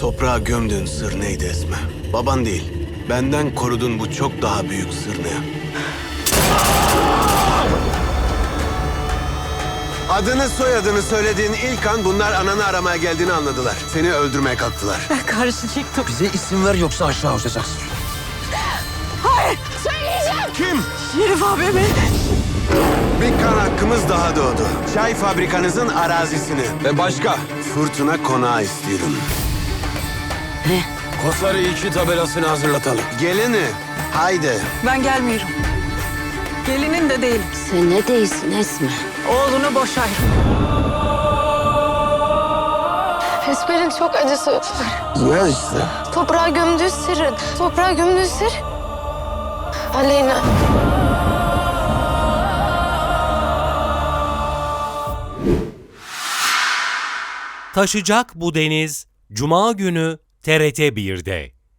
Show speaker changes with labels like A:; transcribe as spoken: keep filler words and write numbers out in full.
A: Toprağa gömdüğün sır neydi Esme? Baban değil, benden korudun bu çok daha büyük sır ne? Adını soyadını söylediğin ilk an bunlar ananı aramaya geldiğini anladılar. Seni öldürmeye kalktılar.
B: Ben karşı çıktım.
C: Bize isim ver yoksa aşağı uçacaksın.
B: Hayır, söyleyeceğim.
A: Kim?
B: Şerif abimi.
A: Bir kan hakkımız daha doğdu. Çay fabrikanızın arazisini. Ve başka? Fırtına konağı istiyorum.
B: Ne?
A: Kosları iki tabelasını hazırlatalım. Gelini, haydi.
B: Ben gelmiyorum. Gelinin de değilim.
D: Sen ne değilsin Esme?
B: Oğlunu boşayırım.
E: Esmer'in çok acısı var.
A: Ne işte?
E: Toprağa gömdüğü sırrın. Toprağa gömdüğü sır. Aleyna.
F: Taşacak bu deniz Cuma günü T R T bir'de.